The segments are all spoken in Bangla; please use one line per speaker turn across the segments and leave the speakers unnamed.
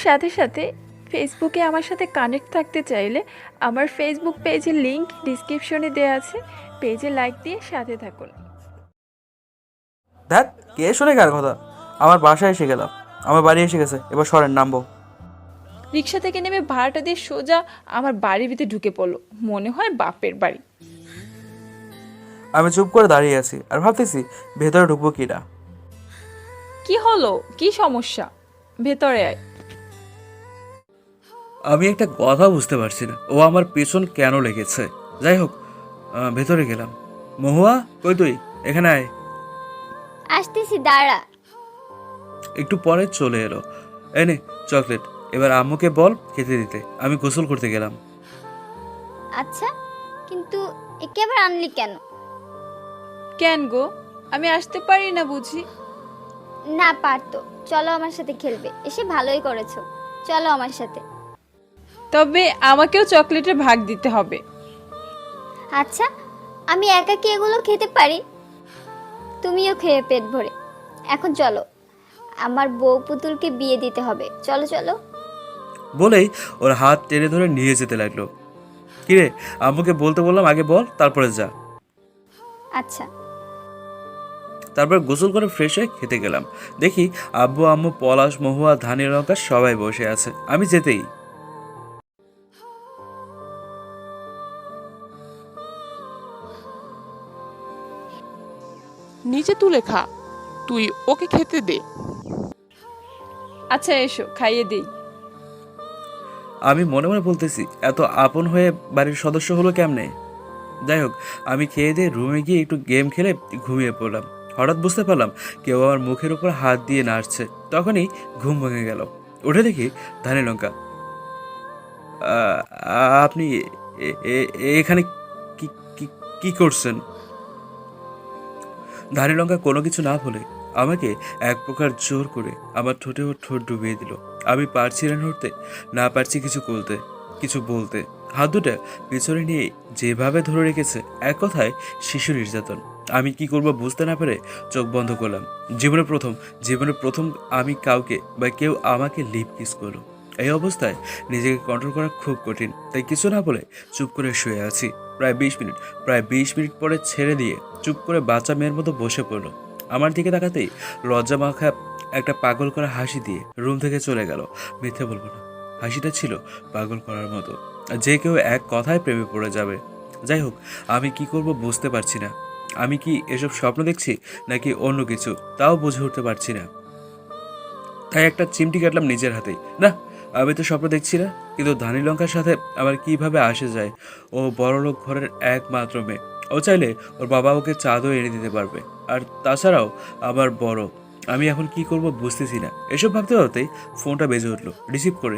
সাথে সাথে ফেসবুকে আমার সাথে কানেক্ট থাকতে চাইলে আমার ফেসবুক পেজের লিংক ডিসক্রিপশনে দেওয়া আছে, পেজে লাইক দিয়ে সাথে থাকুন।
ধ্যাত, কে শুনে কার কথা? আমার বাসায় এসে গেলাম, আমার বাড়ি এসে গেছে, এবার সরেন, নামবো।
রিক্সা থেকে নেমে ভাড়াটা দিয়ে সোজা আমার বাড়ির ভিতরে ঢুকে পড়লো, মনে হয় বাপের বাড়ি।
আমি চুপ করে দাঁড়িয়ে আছি আর ভাবতেছি ভেতরে ঢুকবো কি না।
কি হলো, কি সমস্যা? ভেতরে আয়।
আমি একটা কথা বুঝতে পারছি না, ও আমার পেছন কেন লেগেছে। যাই হোক, ভেতরে গেলাম। মহুয়া, কই তুই? এখানে আয়।
আসতেছি, দাঁড়া।
একটু পরে চলে এলো। এনে চকলেট, এবার আম্মুকে বল খেতে দিতে। আমি গোসল করতে গেলাম।
আচ্ছা, কিন্তু একে আবার আনলি কেন?
কেন গো, আমি আসতে পারি না বুঝি?
না পারতো। চলো আমার সাথে খেলবে, এসে ভালোই করেছো। চলো আমার সাথে।
তবে আমাকেও চকলেটের ভাগ দিতে হবে।
আচ্ছা, আমি একা কি এগুলো খেতে পারি? তুমিও খেয়ে পেট ভরে। এখন চলো, আমার বউ পুতুলকে বিয়ে দিতে হবে। চলো চলো।
বলেই ওর হাত টেনে ধরে নিয়ে যেতে লাগলো। কিরে, আম্মুকে বলতে বললাম আগে বল, তারপরে যা।
আচ্ছা।
তারপর গোসল করে ফ্রেশ হয়ে খেতে গেলাম। দেখি আব্বু, আম্মু, পলাশ, মহুয়া, ধানি, লঙ্কা সবাই বসে আছে। আমি যেতেই
নিচে তুলে খা, তুই ওকে খেতে দে।
আচ্ছা এসো, খাইয়ে দিই।
আমি মনে মনে বলতেছি, এত আপন হয়ে বাড়ির সদস্য হলো কেমনে। যাই হোক, আমি খেয়ে দিয়ে রুমে গিয়ে একটু গেম খেলে ঘুমিয়ে পড়লাম। হঠাৎ বুঝতে পারলাম কেউ আমার মুখের উপর হাত দিয়ে নাড়ছে। তখনই ঘুম ভেঙে গেল। উঠে দেখি ধানি, লঙ্কা। আপনি এখানে কি কি কি করছেন? ধানি, লঙ্কা কোনো কিছু না বলে আমাকে এক প্রকার জোর করে আমার ঠোঁটে ওর ঠোঁট ডুবিয়ে দিল। আমি পারছি না নড়তে, না পারছি কিছু করতে, কিছু বলতে। হাত দুটা পিছনে নিয়ে যেভাবে ধরে রেখেছে, এক কথায় শিশু নির্যাতন। আমি কি করব বুঝতে না পেরে চোখ বন্ধ করলাম। জীবনে প্রথম আমি কাউকে বা কেউ আমাকে লিপ কিস করলো। এই অবস্থায় নিজেকে কন্ট্রোল করা খুব কঠিন, তাই কিছু না বলে চুপ করে শুয়ে আছি। প্রায় 20 মিনিট পরে ছেড়ে দিয়ে চুপ করে বাচ্চা মেয়ের মতো বসে পড়লো। আমার দিকে তাকাতেই লজ্জা মাখা একটা পাগল করা হাসি দিয়ে রুম থেকে চলে গেল। মিথ্যে বলবো না, হাসিটা ছিল পাগল করার মতো, যে কেউ এক কথায় প্রেমে পড়ে যাবে। যাই হোক, আমি কি করব বুঝতে পারছি না। আমি কি এসব স্বপ্ন দেখছি নাকি অন্য কিছু, তাও বুঝে উঠতে পারছি না। তাই একটা চিমটি কাটলাম নিজের হাতেই। না, আমি তো স্বপ্ন দেখছি না। কিন্তু ধানি, লঙ্কার সাথে আমার কিভাবে আসে যায়? ও বড়লোক ঘরের একমাত্র মেয়ে। ও চাইলে ওর বাবা ওকে চাঁদও এনে দিতে পারবে। আর তাছাড়াও আবার বড়। আমি এখন কি করব বুঝতেছি না। এসব ভাবতে ভাবতেই ফোনটা বেজে উঠলো। রিসিভ করে,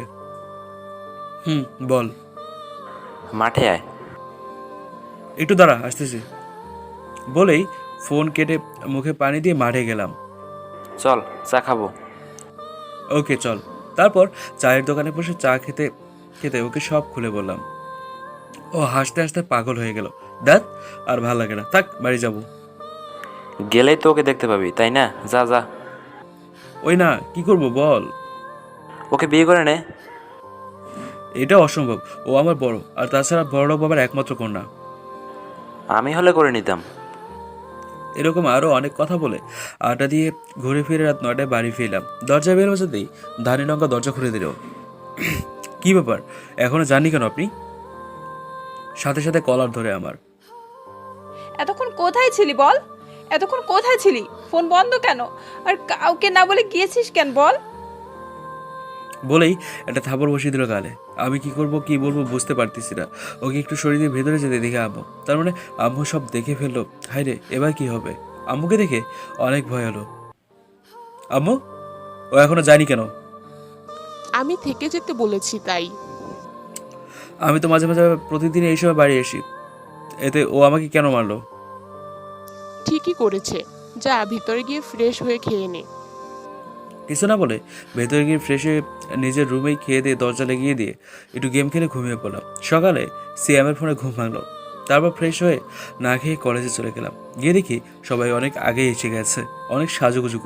বল।
মাঠে আয়।
একটু দাঁড়া, আসতেছি। বলেই ফোন কেটে মুখে পানি দিয়ে মাঠে গেলাম।
চল চা খাবো।
ওকে চল। তারপর চায়ের দোকানে বসে চা খেতে খেতে ওকে সব খুলে বললাম। ও হাসতে হাসতে পাগল হয়ে গেল। দেখ, আর ভাল লাগে না, থাক, বাড়ি যাব।
গেলেই তো ওকে দেখতে পাবি, তাই না? যা যা।
ওই না, কি করব বল।
ওকে বিয়ে করে নে।
এটা অসম্ভব। ও আমার বড়, আর তাছাড়া বড়লোক বাবার একমাত্র কন্যা।
আমি হলে করে নিতাম।
এরকম আরও অনেক কথা বলে আড্ডা দিয়ে ঘুরে ফিরে রাত 9টায় বাড়ি ফিরলাম। দরজা বের হতেই ধানি, লঙ্কা দরজা খুলে দিল। কি ব্যাপার, এখনো জাননি কেন আপনি? সাথে সাথে কলার ধরে আমার।
এতক্ষণ কোথায় ছিলি বল? এতক্ষণ কোথায় ছিলি? ফোন বন্ধ কেন? আর কাউকে না বলে গিয়েছিস কেন বল?
বলেই একটা থাপড় বসিয়ে দিল গালে। আমি কি করব কি বলবো বুঝতে পারতেছি না। ওকে একটু শরীরের ভেতরে যেতে দেখে আম্মু, তার মানে আম্মু সব দেখে ফেললো। হায় রে, এবার কি হবে? আম্মুকে দেখে অনেক ভয় হলো। আম্মু, ও এখনো যায়নি কেন?
আমি থেকে যেতে বলেছি তাই।
আমি তো মাঝে মাঝে প্রতিদিন এই সময় বাড়ি আসি, এতে ও আমাকে কেন মারলো?
ঠিকই করেছে, যা ভিতরে গিয়ে ফ্রেশ হয়ে খেয়ে নে।
কিছু না বলে ভেতরে গিয়ে ফ্রেশ হয়ে নিজের রুমেই খেয়ে দিয়ে দরজা লাগিয়ে দিয়ে একটু গেম খেলে ঘুমিয়ে পড়লাম। সকালে সিয়ামের ফোনে ঘুম ভাঙলো। তারপর ফ্রেশ হয়ে না খেয়ে কলেজে চলে গেলাম। গিয়ে দেখি সবাই অনেক আগেই এসে গেছে, অনেক সাজুগুজু করে।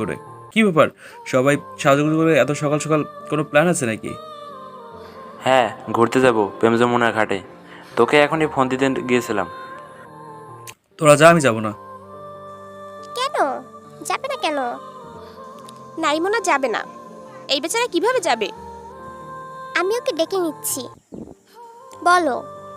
কি ব্যাপার, সবাই সাজুগুজু করে এত সকাল সকাল? কোনো প্ল্যান আছে নাকি?
হ্যাঁ, ঘুরতে যাব প্রেম যমুনার ঘাটে। তোকে এখনই ফোন দিতে গিয়েছিলাম।
তোরা যা, আমি যাবো না।
কেন যাবে না কেন?
নাইমোনা যাবে না। এই বেচারা কিভাবে যাবে?
আমি ওকে ডেকে নিচ্ছি, বলো।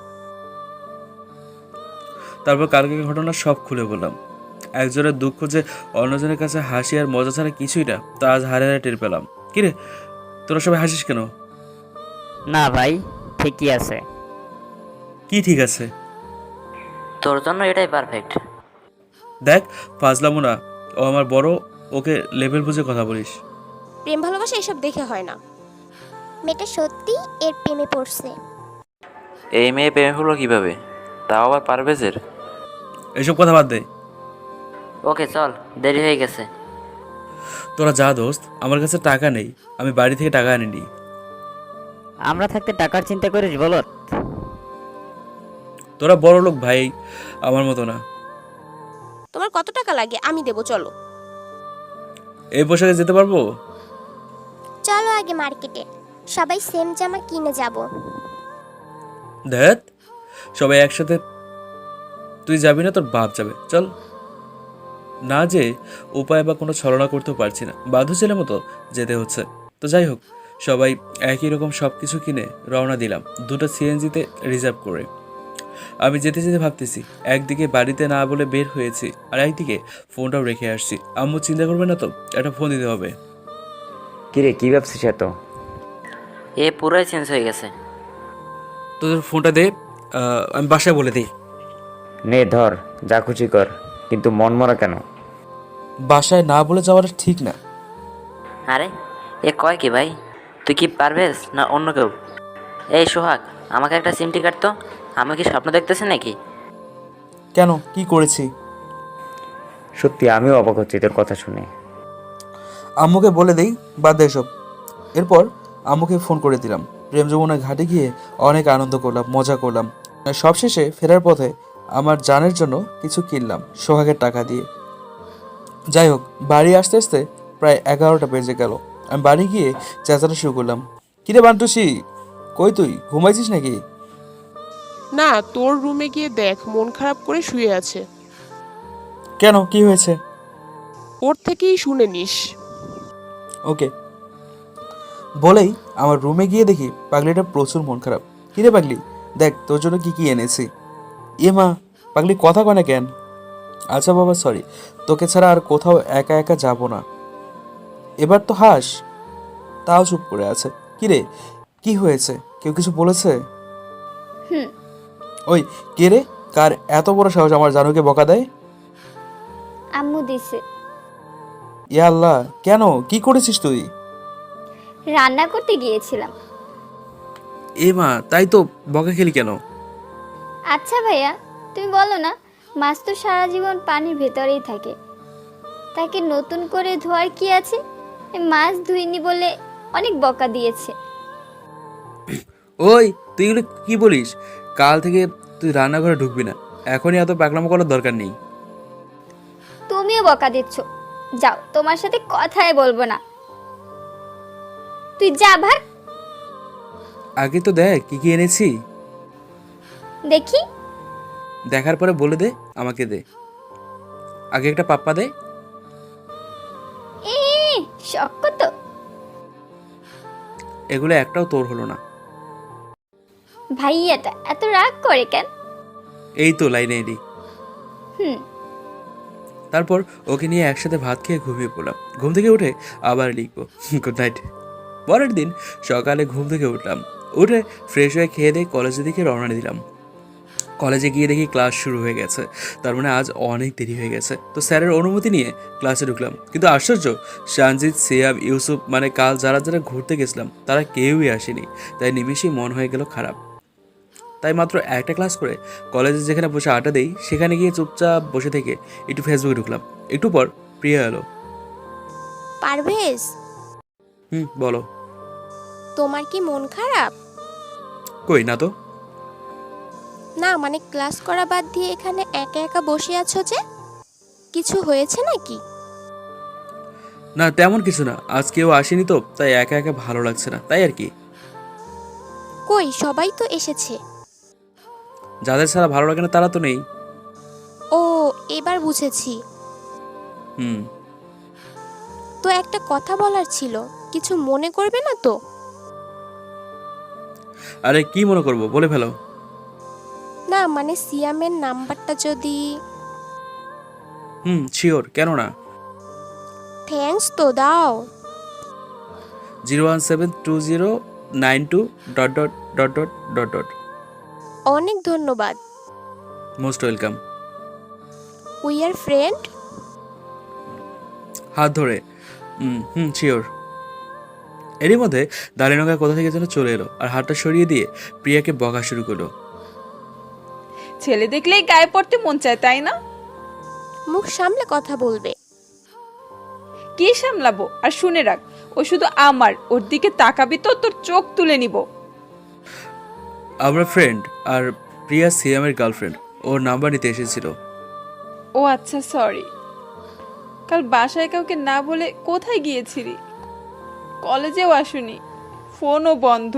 তারপর কালকে ঘটনা সব খুলে বললাম। একজনের দুঃখ যে অন্যজনের কাছে হাসি আর মজা ছাড়া কিছুই না, তা আজ হারে হারে টের পেলাম। কিরে, তোরা সবাই হাসিস কেন?
না ভাই, ঠিকই আছে।
কি ঠিক আছে?
তোর জন্য এটাই পারফেক্ট।
দেখ, ফাজলামো না, ও আমার বড়, ওকে লেভেল বুঝে কথা বলিস।
প্রেম ভালোবাসা এসব দেখে হয় না।
মেয়েটা সত্যি এর প্রেমে পড়ছে।
এই মেয়ে প্রেমে হলো কিভাবে, তাও আবার পারভেজের?
এসব কথা বাদ দে।
ওকে চল, দেরি হয়ে গেছে।
তোরা যা দোস্ত, আমার কাছে টাকা নেই, আমি বাড়ি থেকে টাকা আনিনি।
আমরা থাকতে টাকার চিন্তা করিস বলত?
তোরা বড় লোক ভাই, আমার মতো না।
তোমার কত টাকা লাগে আমি দেবো, চলো।
এই পোশাকে যেতে পারবো?
চলো আগে মার্কেটে, সবাই সেম জামা কিনে যাব।
দেখ, সবাই একসাথে। তুই যাবি না, তোর বাপ যাবে, চল। না যে উপায় বা কোনো ছলনা করতেও পারছি না, বাধ্য ছেলের মতো যেতে হচ্ছে। তো যাই হোক, সবাই একই রকম সব কিছু কিনে রওনা দিলাম, দুটো সিএনজিতে রিজার্ভ করে। আমি যেতে যেতে ভাবতেছি, একদিকে বাড়িতে না বলে বের হয়েছি, আর একদিকে ফোনটাও রেখে আসছি। আম্মু চিন্তা করবে না তো? একটা ফোন দিতে হবে।
কিরে, কি ভাবছিস এত?
এ পুরাই চেঞ্জ হয়ে গেছে।
তোদের ফোনটা দে, আমি বাসায় বলে দিই।
নে ধর, যা খুশি কর, কিন্তু মন মরা কেন?
বাসায় না বলে যাওয়াটা ঠিক না।
আরে এ কয় কি ভাই? তুই কি পারভেজ না অন্য কেউ? এই সোহাগ, আমাকে একটা সিমটি কাটতো। আমি কি স্বপ্ন দেখতেছি নাকি?
কেন, কি করেছি?
সত্যি আমিও অবাক হচ্ছি তোর কথা শুনে।
আম্মুকে বলে দেই, বাদ দে সব। এরপর আম্মুকে ফোন করে দিলাম। প্রেম যমুনার ঘাটে গিয়ে অনেক আনন্দ করলাম, মজা করলাম। সবশেষে ফেরার পথে আমার জানের জন্য কিছু কিনলাম সোহাগের টাকা দিয়ে। যাই হোক, বাড়ি আসতে আসতে প্রায় 11টা বেজে গেল। আমি বাড়ি গিয়ে চেঁচানো শুরু করলাম, কিরে বান্টুসি, কই তুই, ঘুমাইছিস নাকি?
না, তোর রুমে গিয়ে দেখ, মন খারাপ করে শুয়ে আছে।
কেন, কি হয়েছে?
ওর থেকেই শুনে নিস।
ওকে। বলেই আমার রুমে গিয়ে দেখি পাগলিটা প্রচুর মন খারাপ। কিরে পাগলি, দেখ তোর জন্য কি কি এনেছি। এ মা, পাগলি কথা কয় না কেন? আচ্ছা বাবা, সরি, তোকে ছাড়া আর কোথাও একা একা যাব না। এবার তো হাস। তাও চুপ করে আছে। কিরে, কি হয়েছে, কেউ কিছু বলেছে?
হুম।
ওই কে রে, কার এত বড় সাহস আমার জানুকে বকা দেয়?
আম্মু দিছে।
ইয়া আল্লাহ, কেন, কি করেছিস তুই?
রান্না করতে গিয়েছিলাম।
এ মা, তাই তো, বকা খেলি কেন?
আচ্ছা ভাইয়া, তুমি বলো না, মাছ তো সারা জীবন পানির ভেতরেই থাকে, তাকে নতুন করে ধোয়ার কি আছে? এই মাছ ধুইনি বলে অনেক বকা দিয়েছে।
ওই, তুই এগুলো কি বলিস? কাল থেকে তুই রান্নাঘরে ঢুকবি না, এখনই এত পাগলামো করার দরকার নেই।
তুমিও বকা দিচ্ছ, যাও, তোমার সাথে কথাই বলবো না। তুই যা ভাগ।
আগে তো দেখ কি কি এনেছি।
দেখি।
দেখার পরে বলে দে, আমাকে দে। আগে একটা পাপ্পা দে।
এ শখ তো।
এগুলো একটাও তোর হলো না।
ভাইয়াটা এত রাগ করে কেন?
এই তো লাইনে এলি।
হুম।
তারপর ওকে নিয়ে একসাথে ভাত খেয়ে ঘুমিয়ে পড়লাম। ঘুম থেকে উঠে আবার লিখবো। Good night. পরের দিন সকালে ঘুম থেকে উঠলাম, উঠে ফ্রেশ হয়ে খেয়ে দিয়ে কলেজের দিকে রওনা দিলাম। কলেজে গিয়ে দেখি ক্লাস শুরু হয়ে গেছে, তার মানে আজ অনেক দেরি হয়ে গেছে। তো স্যারের অনুমতি নিয়ে ক্লাসে ঢুকলাম, কিন্তু আশ্চর্য, সঞ্জিত, সিয়াব, ইউসুফ, মানে কাল যারা যারা ঘুরতে গেছিলাম তারা কেউই আসেনি। তাই নিমেষেই মন হয়ে গেল খারাপ। তাই মাত্র একটা ক্লাস করে কলেজে যেখানে বসে আড্ডা দেই সেখানে গিয়ে চুপচাপ বসে থেকে একটু ফেসবুকে ঢুকলাম। একটু পর প্রিয়া এলো।
পারভেজ,
বলো।
তোমার কি মন খারাপ?
কই না তো।
না মানে ক্লাস করা বাদ দিয়ে এখানে একা একা বসে আছো যে, কিছু হয়েছে নাকি?
না তেমন কিছু না, আজ কেউ আসেনি তো তাই একা একা ভালো লাগছে না, তাই আর কি।
কই সবাই তো এসেছে।
যাদের ছাড়া ভালো লাগে না তারা তো নেই।
ও, এবার বুঝেছি।
হুম।
তো একটা কথা বলার ছিল, কিছু মনে করবে না তো?
আরে কি মনে করবো, বলে ফেলো।
না মানে সিয়ামের নাম্বারটা যদি।
শিওর, কেন না।
থ্যাঙ্কস তো, দাও।
0172092...
অনেক ধন্যবাদ।
Most welcome.
We are friend.
হাত ধরে। শিওর। এরই মধ্যে দালিনগা কোথা থেকে যেন চলে এলো আর হাতটা সরিয়ে দিয়ে প্রিয়াকে বকা শুরু করলো।
ছেলে দেখলেই গায়ে পড়তে মন চায়, তাই না?
মুখ সামলে কথা বলবে।
কি সামলাবো? আর শুনে রাখ, ও শুধু আমার, ওর দিকে তাকাবি তো তোর চোখ তুলে নিব।
আমরা ফ্রেন্ড, আর প্রিয়া সিয়ামের গার্লফ্রেন্ড, ওর নাম্বার নিতে এসেছিল।
ও আচ্ছা, সরি। কাল বাসায় কাউকে না বলে কোথায় গিয়েছিলি? কলেজেও আসুনি, ফোনও বন্ধ।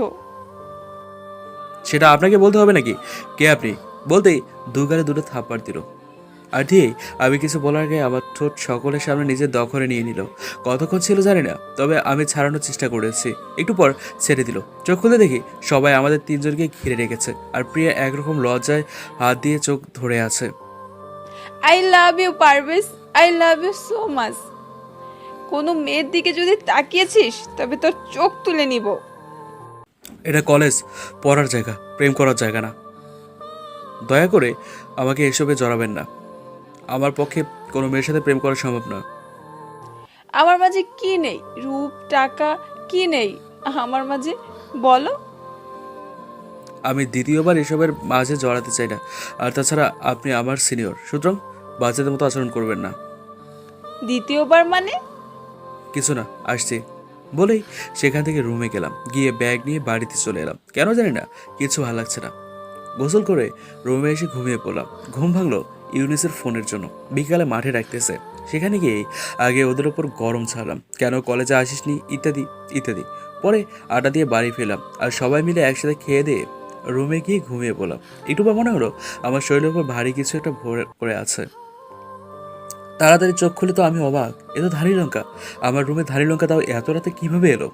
সেটা আপনাকে বলতে হবে নাকি? কে আপনি? বলতেই দুগালে দুটো থাপ্পড় দিল। আর দিয়েই আমি কিছু বলার আগে আমার ঠোঁট সকলের সামনে নিজের দখলে নিয়ে নিল। কতক্ষণ ছিল জানি না, তবে আমি ছাড়ানোর চেষ্টা করেছি। একটু পর ছেড়ে দিল। চোখ খুলে দেখি সবাই আমাদের তিনজনকে ঘিরে রেখেছে, আর প্রিয়া একরকম লজ্জায় হাত দিয়ে চোখ ধরে আছে।
I love you Parvez, I love you so much. কোনো মেয়ের দিকে যদি তাকিয়েছিস তবে তোর চোখ তুলে নিব।
এটা কলেজ, পড়ার জায়গা, প্রেম করার জায়গা না। দয়া করে আমাকে এসবে জড়াবেন না। আমার পক্ষে কোনো মেয়ের সাথে প্রেম করা সম্ভব না।
আমার মাঝে কি নেই? রূপ, টাকা, কি নেই আমার মাঝে বলো?
আমি দ্বিতীয়বার এসবের মাঝে জড়াতে চাই না। আর তাছাড়া আপনি আমার সিনিয়র, সুতরাং বাচ্চাদের মতো আচরণ করবেন না।
দ্বিতীয়বার মানে?
কিছু না, আসছি বলেই সেখান থেকে রুমে গেলাম। গিয়ে ব্যাগ নিয়ে বাড়িতে চলে এলাম। কেন জানি না, কিছু ভালো লাগছে না। গোসল করে রুমে এসে ঘুমিয়ে পড়লাম। ঘুম ভাঙলো ইউনিসের ফোনের জন্য। বিকালে মাঠে ডাকতেছে, সেখানে গিয়ে আগে ওদের ওপর গরম ছাড়লাম, কেন কলেজে আসিসনি ইত্যাদি ইত্যাদি। পরে আটা দিয়ে বাড়ি ফেলাম, আর সবাই মিলে একসাথে খেয়ে দিয়ে রুমে গিয়ে ঘুমিয়ে পড়লাম। একটু পর মনে হলো আমার শরীরের উপর ভারী কিছু একটা ভরে পড়ে আছে। তাড়াতাড়ি চোখ খুলে তো আমি অবাক, এ তো ধানি লঙ্কা। আমার রুমে ধানি লঙ্কা তাও এত রাতে কিভাবে এলো?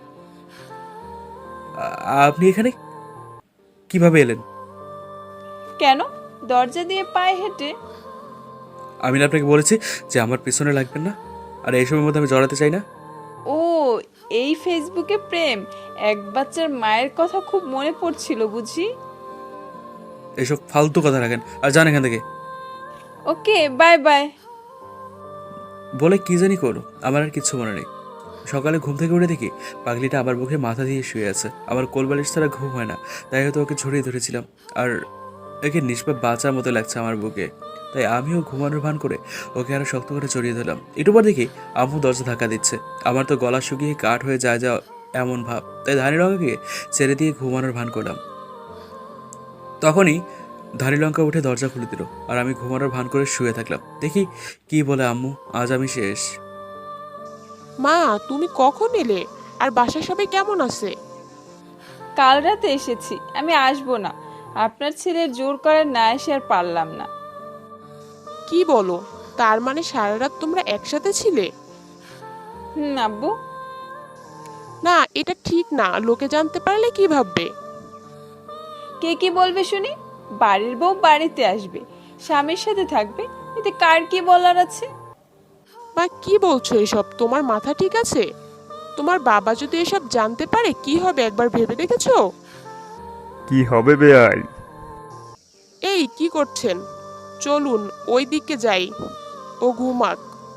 আপনি এখানে কিভাবে এলেন?
কেন? দরজা দিয়ে পায়ে হেঁটে?
আমি না আপনাকে বলেছি যে আমার পিছনে লাগবেন না, আর এই সময়ের মধ্যে আমি জড়াতে চাই না।
ও, এই ফেসবুকে প্রেম? এক বাচ্চার মায়ের কথা খুব মনে পড়ছিল বুঝি।
এসব ফালতু কথা রাখেন আর যান এখান থেকে।
Okay, bye bye.
বলে কি জানি করো, আমার আর কিচ্ছু মনে নেই। সকালে ঘুম থেকে উঠে দেখি পাগলিটা আমার বুকে মাথা দিয়ে শুয়ে আছে। আমার কোলবালিশ ছাড়া ঘুম হয় না, তাই হয়তো ওকে ছড়িয়ে ধরেছিলাম। আর একে নিষ্পাপ বাঁচার মতো লাগছে আমার বুকে, তাই আমিও ঘুমানোর ভান করে ওকে আরো শক্ত করে জড়িয়ে ধরলাম। একটু পর দেখি আম্মু দরজা ধাক্কা দিচ্ছে। আমার তো গলা শুকিয়ে কাঠ হয়ে যায় যা এমন ভাব, তাই ধানি লঙ্কাকে ছেড়ে দিয়ে ঘুমানোর ভান করলাম। তখনই ধানি লঙ্কা উঠে দরজা খুলে দিল, আর আমি ঘুমানোর ভান করে শুয়ে থাকলাম। দেখি কি বলে আম্মু, আজ আমি শেষ।
মা, তুমি কখন এলে? আর বাসায় সবাই কেমন আছে?
কাল রাতে এসেছি, আমি আসবো না। আপনার ছেলের জোর করে না এসে আর পারলাম না।
কি বলো? তার মানে সারা রাত তোমরা একসাথে ছিলে?
আব্বু।
না, এটা ঠিক না। লোকে জানতে পারলে কি ভাববে?
কে কি বলবে শুনি? বাড়ির বউ বাড়িতে আসবে, স্বামীর সাথে থাকবে, এতে কার কি বলার আছে?
মা, কি বলছো এসব? তোমার মাথা ঠিক আছে? তোমার বাবা যদি এসব জানতে পারে কি হবে একবার ভেবে দেখেছো?
কি হবে বেয়াই?
এই কি করছেন? চলুন ওই দিকে যাই, ও ঘুমাক।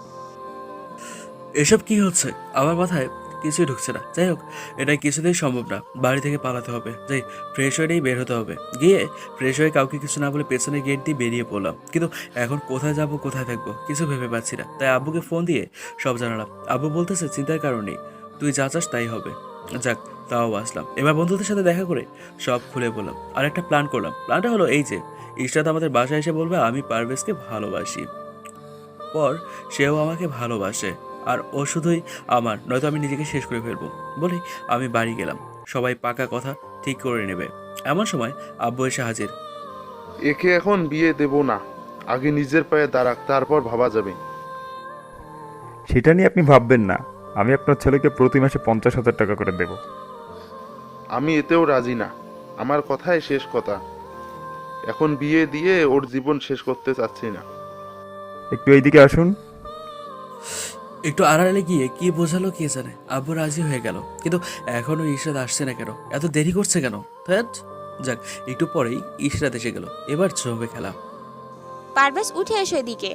এসব কি হচ্ছে? আমার মাথায় কিছুই ঢুকছে না। যাই হোক, এটা কিছুতেই সম্ভব না। বাড়ি থেকে পালাতে হবে। যাই, ফ্রেশ হয়েই বের হতে হবে। গিয়ে ফ্রেশ হয়ে কাউকে কিছু না বলে পেছনের গেট দিয়ে বেরিয়ে পড়লাম। কিন্তু এখন কোথায় যাব, কোথায় থাকবো কিছু ভেবে পাচ্ছি না। তাই আব্বুকে ফোন দিয়ে সব জানালাম। আব্বু বলতেছে চিন্তার কারণ নেই, তুই যা চাস তাই হবে। যাক, তাও আসলাম। এবার বন্ধুদের সাথে দেখা করে সব খুলে বললাম। আর একটা প্ল্যান করলাম। প্ল্যানটা হলো এই যে, ইশরাত আমাদের বাসায় এসে বলবে আমি পারভেজকে ভালোবাসি, পর সেও আমাকে ভালোবাসে, আর ও শুধুই আমার, নয়তো আমি নিজেকে শেষ করে ফেলবো। বলে আমি বাড়ি গেলাম। সবাই পাকা কথা ঠিক করে নেবে। এমন সময় আব্বু এসে হাজির।
একে এখন বিয়ে দেব না, আগে নিজের পায়ে দাঁড়াক, তারপর ভাবা যাবে।
সেটা নিয়ে আপনি ভাববেন না, আমি আপনার ছেলেকে প্রতি মাসে 50,000 টাকা করে দেব।
আমি এতেও রাজি না, আমার কথাই শেষ কথা। এখন বিয়ে দিয়ে ওর জীবন শেষ করতে চাচ্ছি না।
একটু এইদিকে আসুন।
একটু আড়ালে গিয়ে কি বোঝালো কে জানে। আব্বু রাজি হয়ে গেল, কিন্তু এখনো ইশরাত আসছে না কেন? এত দেরি করছে কেন? ধ্যাৎ। যাক, একটু পরেই ইশরাত এসে গেল। এবার জমে খেলা।
পারভেজ উঠে এসো এদিকে।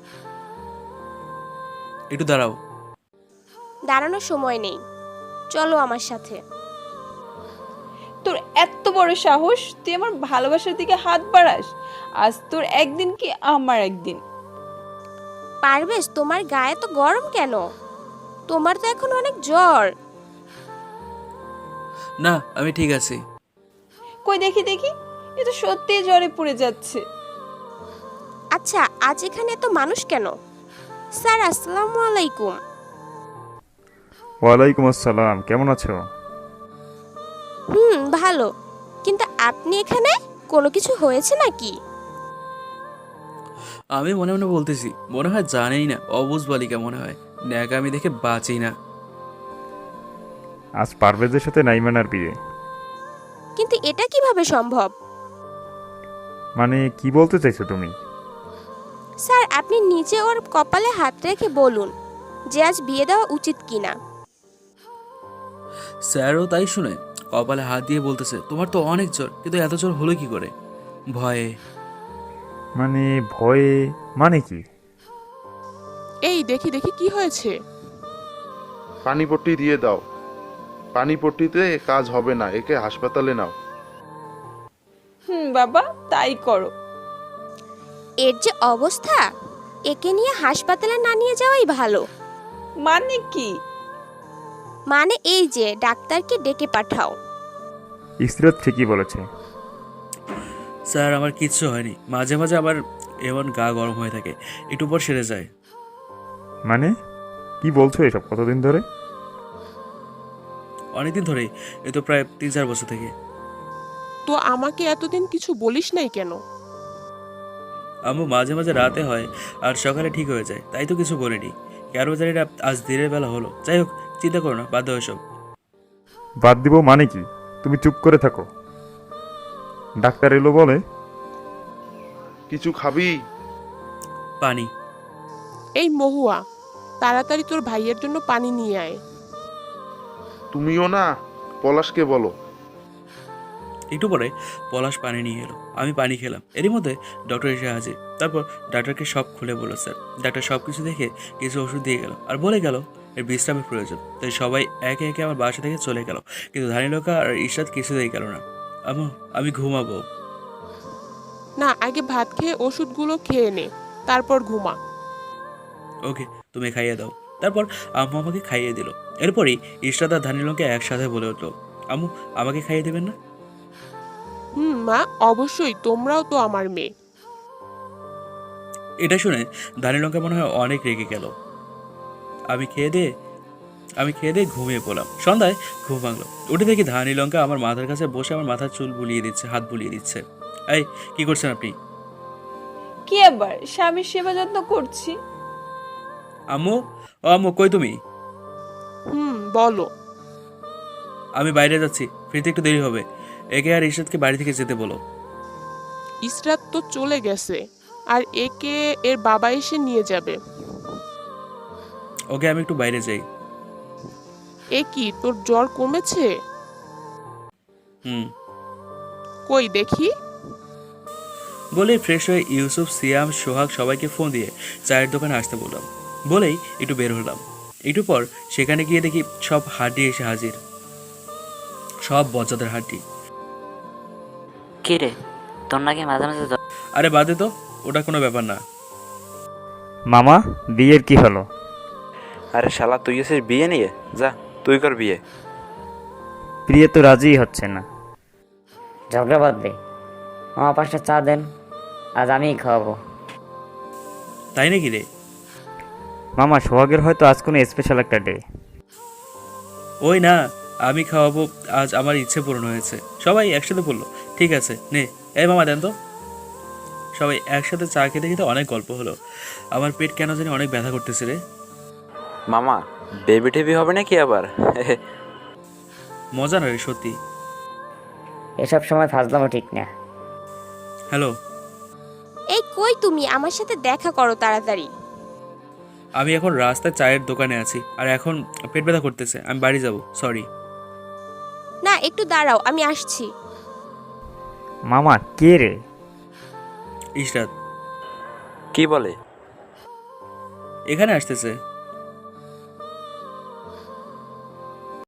একটু দাঁড়াও।
দাঁড়ানোর সময় নেই, চলো আমার সাথে।
তোর এত বড় সাহস, তুই আমার ভালোবাসার দিকে হাত বাড়াস? আজ তোর একদিন কি আমার একদিন।
পারভেজ, তোমার গায়ে তো গরম কেন? তোমার তো এখন অনেক জ্বর।
না, আমি ঠিক আছি।
কই দেখি দেখি, এ তো সত্যিই জ্বরে পড়ে যাচ্ছে।
আচ্ছা, আজ এখানে এত মানুষ কেন? স্যার, আসসালামু আলাইকুম।
ওয়ালাইকুম আসসালাম, কেমন আছো?
ভালো, কিন্তু আপনি এখানে কোনো কিছু হয়েছে নাকি?
আমি মনে মনে বলতেছি, মনে হয় জানেই না, অবুঝ বালিকা মনে হয়। ন্যাকামি দেখে বাঁচি না।
আজ পারভেজের সাথে নাইমানার বিয়ে।
কিন্তু এটা কিভাবে সম্ভব?
মানে কি বলতে চাইছো তুমি?
স্যার, আপনি নিচে ওর কপালে হাত রেখে বলুন যে আজ বিয়ে দেওয়া উচিত কিনা।
স্যারও তাই শুনে কপালে হাত দিয়ে বলতেছে, তোমার তো অনেক জ্বর, কিন্তু এত জ্বর হলো কি করে? ভয়ে।
মানে ভয়ে মানে কি?
এই দেখি দেখি কি হয়েছে।
পানিপট্টি দিয়ে দাও। পানিপট্টিতে কাজ হবে না, একে হাসপাতালে নাও।
বাবা, তাই করো।
এর যে অবস্থা, একে নিয়ে হাসপাতালে না নিয়ে যাওয়াই ভালো।
মানে কি?
মানে এই যে ডাক্তারকে ডেকে পাঠাও।
ইসরাত ঠিকই বলেছে।
স্যার, আমার কিচ্ছু হয়নি। মাঝে মাঝে আবার এমন গা গরম হয়ে থাকে, একটু পর সেরে যায়।
মানে কি বলছো এসব? কতদিন ধরে?
অনেকদিন ধরেই, এ তো প্রায় 3-4 বছর থেকে।
তো আমাকে এতদিন কিছু বলিস নাই কেন?
আম্মু, মাঝে মাঝে রাতে হয় আর সকালে ঠিক হয়ে যায়, তাই তো কিছু বলিনি। কেন জানি না আজ দিনের বেলা হলো। যাই হোক, চিন্তা করো না, বাদ দাও এসব।
বাদ দিব মানে কি? তুমি চুপ করে থাকো। ডাক্তার এলো বলে।
কিছু খাবি?
পানি।
এই মহুয়া, তাড়াতাড়ি তোর ভাইয়ের জন্য পানি নিয়ে আয়।
তুমিও না, পলাশকে বলো।
একটু পরে পলাশ পানি নিয়ে এলো। আমি পানি খেলাম। এরই মধ্যে ডক্টর এসে হাজির। তারপর ডাক্তারকে সব খুলে বলল স্যার। ডাক্তার সব কিছু দেখে কিছু ওষুধ দিয়ে গেল আর বলে গেল এর বিশ্রামের প্রয়োজন। তাই সবাই একে একে আমার বাসা থেকে চলে গেল, কিন্তু ধানীলকা আর ইশরাত কিছুতেই গেল না। আমি ঘুমাবো।
না, আগে ভাত খেয়ে ওষুধগুলো খেয়ে নে, তারপর ঘুমা।
ওকে, তুমি খাইয়ে দাও। তারপর আম্মু আমাকে খাইয়ে দিল। এরপরই ইশরাত আর ধানীলকে একসাথে বলে উঠলো, আম্মু, আমাকে খাইয়ে দেবেন না?
মা, অবশ্যই, তোমরাও তো আমার মেয়ে।
এটা শুনে ধানীলঙ্কা মনে হয় অনেক রেগে গেল। আমি খেয়ে দিয়ে ঘুমিয়ে পড়লাম। সন্ধ্যায় ঘুম ভাঙলো। উঠে দেখি ধানীলঙ্কা আমার মাথার কাছে বসে আমার মাথার চুল বুলিয়ে দিচ্ছে, হাত বুলিয়ে দিচ্ছে। এই, কি করছেন আপনি?
কি আবার, স্বামীর সেবা যত্ন করছি।
আম্মু, ও আম্মু, কই তুমি?
বলো।
আমি বাইরে যাচ্ছি, ফিরতে একটু দেরি হবে। একে আর ইশরাতকে বাড়ি থেকে যেতে বলো।
ইসরাত তো চলে গেছে, আর একে এর বাবা এসে নিয়ে যাবে।
ওকে, আমি একটু বাইরে যাই।
এ কি, তোর জ্বর কমেছে? কই দেখি।
বলে ফ্রেশ হয়ে ইউসুফ, সিয়াম, সোহাগ সবাইকে ফোন দিয়ে চায়ের দোকানে আসতে বললাম। বলেই একটু বের হলাম। একটু পর সেখানে গিয়ে দেখি সব হাড্ডি এসে হাজির, সব বজ্জাদের হাড্ডি।
কি রে, তোর নাকি মাঝে মাঝে জ্বর?
আরে বাদে তো, ওটা কোনো ব্যাপার না।
মামা, বিয়ের কি হলো?
আরে শালা, তুই এসেছিস বিয়ে নিয়ে? যা, তুই কর বিয়ে।
প্রিয়া তো রাজিই হচ্ছে না। ঝগড়া বাদ দে, মামা 5টা চা দেন, আজ আমিই খাওয়াবো।
তাই নাকি রে?
মামা সোহাগের হয়তো আজ কোনো স্পেশাল একটা ডে।
ওই না, আমি খাওয়াবো, আজ আমার ইচ্ছে পূরণ হয়েছে। সবাই একসাথে বললো ঠিক আছে নে। এই মামা দেন তো। সবাই একসাথে চা খেতে খেতে অনেক গল্প হলো। আমার পেট কেন জানি অনেক ব্যথা করতেছে রে।
মামা বেবি টেবি হবে নাকি আবার?
মজা না রে সত্যি।
এসব সময় ফাজলামো ঠিক না।
হ্যালো,
এই কই তুমি, আমার সাথে দেখা করো তাড়াতাড়ি।
আমি এখন রাস্তায় চায়ের দোকানে আছি আর এখন পেট ব্যথা করতেছে, আমি বাড়ি যাব, সরি।
না একটু দাঁড়াও, আমি আসছি।
মামা কে রে?
ইশরাত
কি বলে?
এখানে আসতেছে।